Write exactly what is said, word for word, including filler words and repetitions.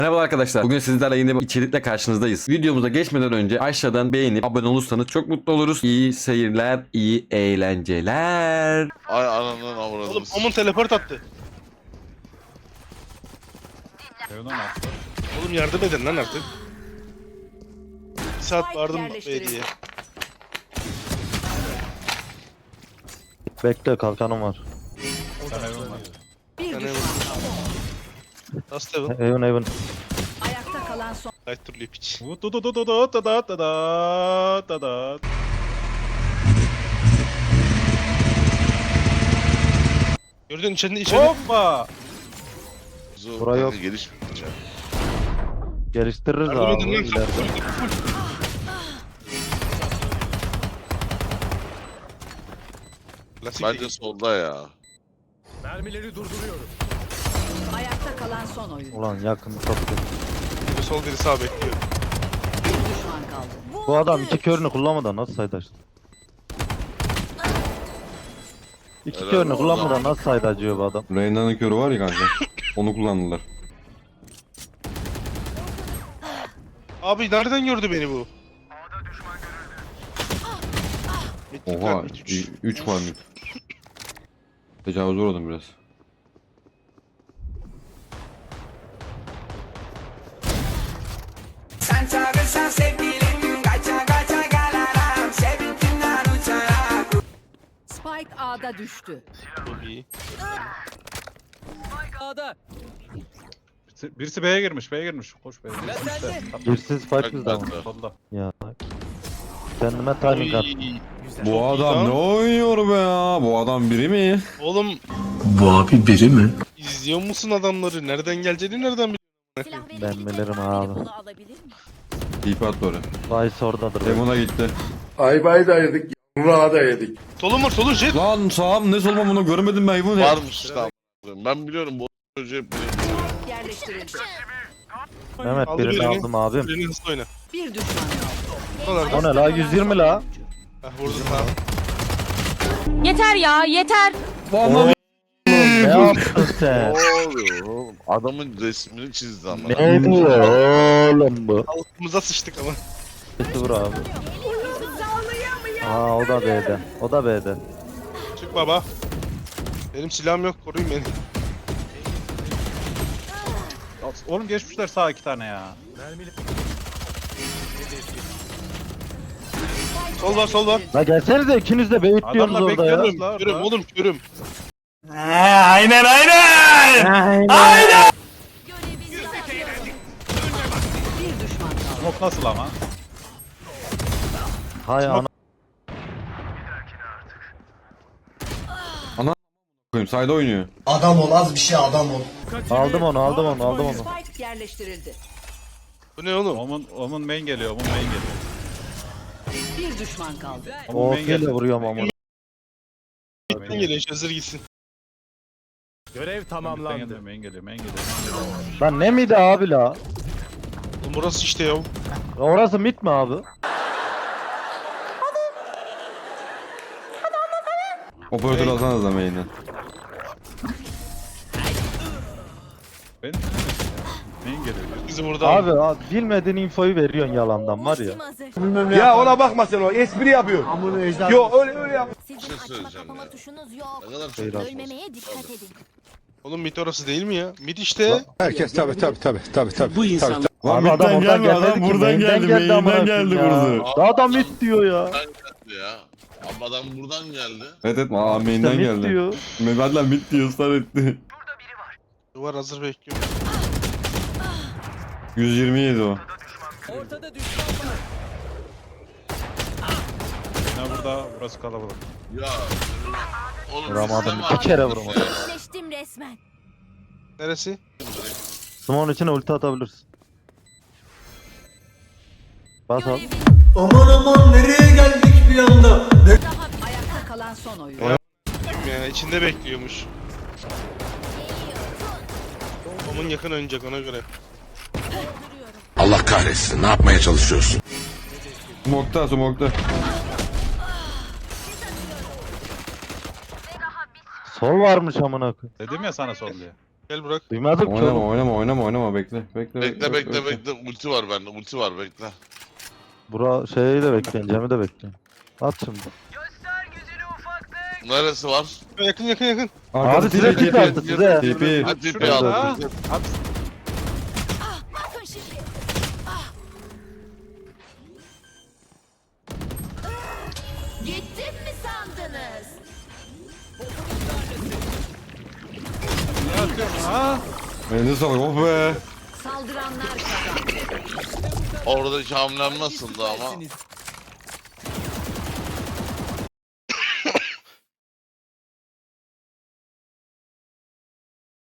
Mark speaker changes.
Speaker 1: Merhaba arkadaşlar. Bugün sizlerle yeni bir içerikle karşınızdayız. Videomuza geçmeden önce aşağıdan beğenip abone olursanız çok mutlu oluruz. İyi seyirler, iyi eğlenceler.
Speaker 2: Ay ananın
Speaker 3: Oğlum
Speaker 2: avradınız.
Speaker 3: Omun teleport attı.
Speaker 4: Evden attı.
Speaker 3: Oğlum yardım edin lan artık. Bir saat
Speaker 5: Spike
Speaker 3: vardım
Speaker 5: yerleştirildi.
Speaker 3: B'diye.
Speaker 6: Bekle kalkanım var.
Speaker 4: Sen evden var.
Speaker 5: Bir
Speaker 3: Yani
Speaker 5: düşman kaldı.
Speaker 3: Last Heaven.
Speaker 6: Evin evin.
Speaker 5: Ayakta kalan son.
Speaker 3: Light turlu piç.
Speaker 4: Vut du du du du du da da da da da da.
Speaker 3: Gördün içeride içeride.
Speaker 4: Hoppa!
Speaker 2: Zor,
Speaker 6: Bura yok.
Speaker 2: gelişmeyecek.
Speaker 6: Geliştiririz
Speaker 3: Yardım
Speaker 6: abi
Speaker 3: edin lan.
Speaker 6: ileride.
Speaker 3: Klasik
Speaker 2: Bence
Speaker 3: değil.
Speaker 2: solda ya.
Speaker 5: Ayakta kalan son oyun.
Speaker 6: Ulan yakın çok kötü.
Speaker 3: Biri sol biri sağ bekliyor.
Speaker 5: Bir düşman kaldı.
Speaker 6: Bu adam iki körünü kullanmadan nasıl saydı açtı? İki
Speaker 2: Helal
Speaker 6: körünü
Speaker 2: olsun.
Speaker 6: kullanmadan nasıl saydı acıyor bu adam?
Speaker 1: Reyna'nın körü var ya kanka. Onu kullandılar.
Speaker 3: Abi nereden gördü beni bu? Mitlik
Speaker 1: Oha.
Speaker 3: var, mit üç.
Speaker 1: üç var mı? Tecavüz uğradım biraz.
Speaker 7: Sen çağırırsan sevgilim kaça kaça gelirim sevinçinden uçarak.
Speaker 5: Spike A'da düştü.
Speaker 3: Çok iyi.
Speaker 4: Birisi, birisi B'ye girmiş, B'ye girmiş. Koş B'ye.
Speaker 6: Girsiz fight bizde ama.
Speaker 2: Ben de.
Speaker 4: Solda.
Speaker 6: Ya. Kendime timing at.
Speaker 3: Oy.
Speaker 1: Bu adam ne oynuyor be ya? Bu adam biri mi?
Speaker 3: Oğlum
Speaker 8: Bu abi biri mi?
Speaker 3: izliyor musun adamları? Nereden geleceğini nereden biliyorsun?
Speaker 6: Ben bilirim abi.
Speaker 5: Bunu alabilir miyim?
Speaker 1: İp at böyle.
Speaker 6: Vice oradadır.
Speaker 1: Demona gitti.
Speaker 8: Aybayı da yedik, yumruğa da yedik.
Speaker 3: Solun var solun jet.
Speaker 1: Lan sağım ne solmam bunu görmedim ben bu ne?
Speaker 2: Varmış işte. Ben biliyorum bu çocuğu hep biliyorum.
Speaker 5: Yerleştirildi.
Speaker 6: Mehmet
Speaker 3: Aldı
Speaker 6: birini
Speaker 3: birini.
Speaker 6: aldım abim.
Speaker 3: Birini hızlı oyna.
Speaker 5: Bir düşman kaldı.
Speaker 3: Buralarda.
Speaker 6: O ne la yüz yirmi la.
Speaker 3: Heh vurdum ha.
Speaker 9: Yeter ya yeter.
Speaker 6: Oğlum ne yaptın sen?
Speaker 2: Ne oluyor oğlum? Adamın resmini çizdi ama.
Speaker 6: Ne diyor oğlum bu?
Speaker 3: Altımıza sıçtık ama.
Speaker 6: Sesi vur abi. Aa o da B'de. O da B'de.
Speaker 3: Çık baba. Benim silahım yok koruyun beni.
Speaker 4: Oğlum geçmişler sağ iki tane ya.
Speaker 3: Sol var sol var.
Speaker 6: La gelsenize ikiniz de beyit diyorsunuz
Speaker 4: Adamlar
Speaker 6: orada ya.
Speaker 4: bekliyoruz la.
Speaker 3: Körüm oğlum körüm.
Speaker 5: Bir düşman kaldı.
Speaker 4: Smoke nasıl ama?
Speaker 6: Hay ana.
Speaker 1: Koyayım sayda oynuyor.
Speaker 8: Adam ol, az bir şey adam ol.
Speaker 6: Aldım onu aldım onu aldım onu.
Speaker 5: Spike yerleştirildi.
Speaker 3: Bu ne oğlum?
Speaker 4: Omun, Omun main geliyor, Omun main geliyor.
Speaker 5: Bir düşman kaldı.
Speaker 4: Omun
Speaker 6: O
Speaker 4: main
Speaker 6: ile
Speaker 4: geliyor.
Speaker 6: vuruyorum ama.
Speaker 3: Gittin geliyor hazır gitsin.
Speaker 4: Görev tamamlandı. Main geliyor, main geliyor, main geliyor.
Speaker 6: Lan ne miydi abi la?
Speaker 3: Oğlum burası işte ya.
Speaker 6: Orası mit mi abi?
Speaker 1: Operatör alsanız da main'den.
Speaker 4: Ben main geliyor.
Speaker 3: Bizi burada
Speaker 6: Abi, abi bilmediğin infoyu veriyorsun yalandan var ya.
Speaker 8: Ya ona bakma sen o, espri yapıyor. Yo öyle öyle yap.
Speaker 2: Bir şey söyleyeceğim ya.
Speaker 10: Tuşunuz yok.
Speaker 2: Ne kadar çok
Speaker 6: Hayır abi.
Speaker 10: Ölmemeye dikkat edin.
Speaker 3: Oğlum mit orası değil mi ya? Mit işte.
Speaker 8: Herkes tabi tabi tabi tabi tabi. Bu insan.
Speaker 1: Lan
Speaker 6: Abi adam
Speaker 1: midden
Speaker 6: oradan
Speaker 1: gelme adam
Speaker 6: gelmedi ki,
Speaker 1: buradan
Speaker 6: main'den
Speaker 1: geldi,
Speaker 6: geldi amına
Speaker 1: main'den geldi
Speaker 6: koyayım ya.
Speaker 1: burası.
Speaker 6: Daha da mit diyor ya.
Speaker 2: Buradan geldi ya. Abi adam buradan geldi.
Speaker 1: Evet evet aa
Speaker 6: İşte
Speaker 1: main'den
Speaker 6: mit
Speaker 1: geldi.
Speaker 6: diyor.
Speaker 1: Mehmet lan mid diyor ısrar etti.
Speaker 3: Duvar hazır bekliyor.
Speaker 1: yüz yirmi yedi o.
Speaker 4: Yine burada, burası kalabalık.
Speaker 2: Ya. Oğlum
Speaker 6: Vuramadım,
Speaker 2: sistem
Speaker 6: iki kere
Speaker 2: abi.
Speaker 6: vuramadım.
Speaker 10: Eşleştim resmen.
Speaker 3: Neresi?
Speaker 6: Smoke'un içine ulti atabilirsin. Bas al.
Speaker 8: Aman aman nereye geldik bir anda?
Speaker 5: Ayakta kalan son oyun.
Speaker 3: Ya içinde bekliyormuş. Omun yakın oynayacak ona göre.
Speaker 8: Allah kahretsin, ne yapmaya çalışıyorsun?
Speaker 1: Smokta smokta.
Speaker 6: Sol varmış amına koyayım.
Speaker 4: Dedim ya sana sol diye.
Speaker 3: Gel Burak.
Speaker 6: Duymadım ki
Speaker 1: Oynama
Speaker 6: oğlum.
Speaker 1: oynama oynama oynama bekle. Bekle
Speaker 2: Bekle bekle bekle. Ulti var bende. Ulti var bekle.
Speaker 6: Bura şeyi de bekleyin, Cem'i de bekleyin. At şimdi.
Speaker 2: Neresi var?
Speaker 3: Yakın yakın yakın.
Speaker 6: Abi size pik attı size.
Speaker 1: Tipi.
Speaker 2: Hadi tipi
Speaker 3: Şurada.
Speaker 2: al.
Speaker 10: Bakın şimdi. Gittim mi sandınız?
Speaker 1: Elinize sağlık oh be.
Speaker 5: Saldıranlar kazandı.
Speaker 2: Oradaki hamlem nasıldı ama?